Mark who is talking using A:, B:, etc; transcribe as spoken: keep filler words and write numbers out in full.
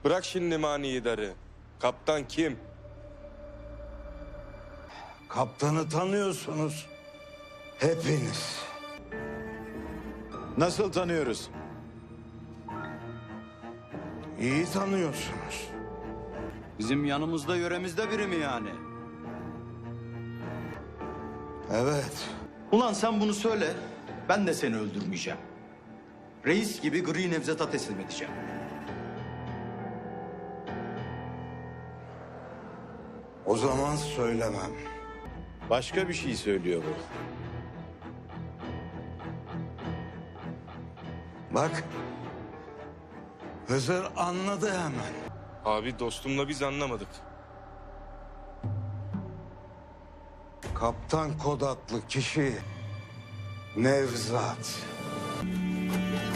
A: Bırak şimdi manidarı. Kaptan kim?
B: Kaptanı tanıyorsunuz. Hepiniz.
C: Nasıl tanıyoruz?
B: İyi tanıyorsunuz.
D: Bizim yanımızda yöremizde biri mi yani?
B: Evet.
D: Ulan sen bunu söyle, ben de seni öldürmeyeceğim. Reis gibi gri Nevzat'a teslim edeceğim.
B: O zaman söylemem.
C: Başka bir şey söylüyor bu.
B: Bak. Hızır anladı hemen.
A: Abi dostumla biz anlamadık.
B: Kaptan kod adlı kişi Nevzat.